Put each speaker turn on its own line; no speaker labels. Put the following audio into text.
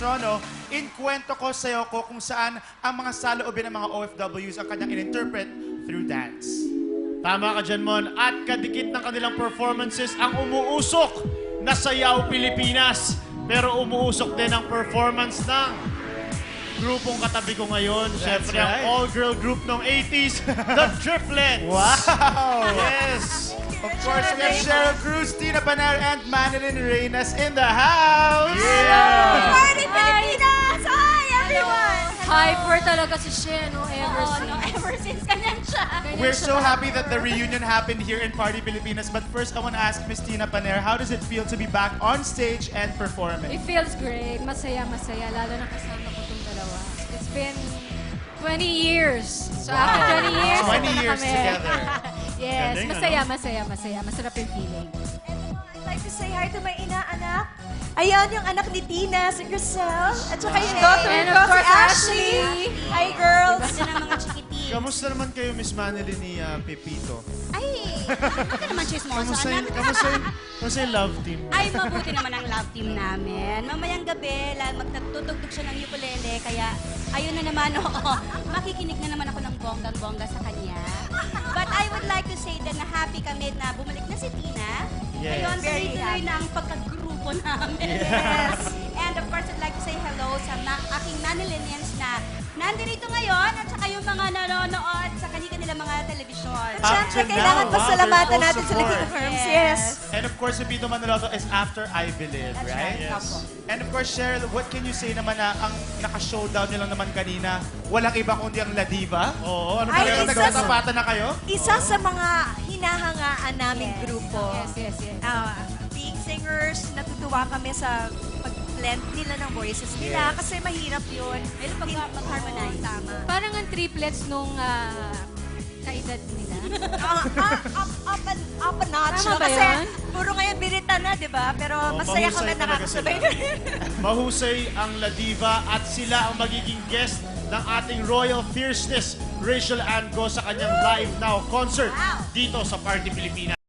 Patrono in Kwento Ko Sa'yo Ko, kung saan ang mga saloobin ng mga OFWs ang kanyang in-interpret through dance.
Tama ka dyan, Mon. At kadikit ng kanilang performances ang umuusok na Sayaw Pilipinas. Pero umuusok din ang performance ng grupong katabi ko ngayon. Siyempre,
right.
ang all-girl group ng 80s, The Triplets.
Wow!
Yes!
Of course, we have Cheryl Cruz, Tina Paner, and Manilyn Reynas in the house!
Yeah!
Party Pilipinas! Hi, everyone!
Hyper talaga si Shea, no? Ever since.
No, ever since ganyan siya.
We're so happy that the reunion happened here in Party Pilipinas. But first, I want to ask Miss Tina Paner, how does it feel to be back on stage and performing?
It feels great. Masaya, lalo na kasama ko itong dalawa. It's been 20 years. So after 20 years,
20
ito na
years
kami.
together.
Yes,
Galing,
masaya. Masarap yung feeling.
I'd like to say hi to my inaanak. Ayan, yung anak ni Tina, si Grisel. At saka yung daughter
And
ko,
of
si
course,
Ashley.
Ashley.
Hi, girls.
Diba ng mga chikitin?
Kamusta naman kayo, Miss Manilyn ni Pepito?
Ay, bakit ka naman chismoso, anak?
Kamusta yung love team?
Ay, mabuti naman ang love team namin. Mamayang gabi, magtutugtog siya ng ukulele, kaya ayun na naman, oo. Makikinig na naman ako ng bonggang-bongga sa kanya. But I would like to say that na happy kami na bumalik na si Tina.
Yes.
Ngayon,
Very
tuloy-tuloy na ang pagkagrupo namin.
Yes.
And of course, I'd like to say hello sa aking Manilinians na nandito ngayon at saka yung mga nanonood sa kanilang mga telebisyon.
Up
Siyempre,
to
kailangan
now,
pasalamatan
their full
natin sila
support.
King Herms. Yes.
And of course, si Pito Manaloto is After I Believe,
That's
right?
right. Opo.
And of course, Cheryl, what can you say naman na ang naka-showdown nyo lang naman kanina, walang iba kundi ang La Diva?
Oo, ano
Ay,
ba
Pero
isa
nagtatapatan na kayo?
Isa sa mga hinahangaan naming
Yes.
grupo.
Yes.
Being singers, natutuwa kami sa pag-blend nila ng voices nila
Yes.
kasi mahirap yun.
Mahirap mag-harmonize.
Tama.
Parang ang triplets nung kaedad nila.
Up a notch.
Tama
no?
ba
Kasi
yun?
puro ngayon birita na, di ba? Pero
Oo,
masaya
mahusay
kami
talaga
nakakasabay.
Mahusay ang La Diva at sila ang magiging guest ng ating Royal Fierceness, Rachel Ann Go, sa kanyang Live Now concert dito sa Party Pilipinas.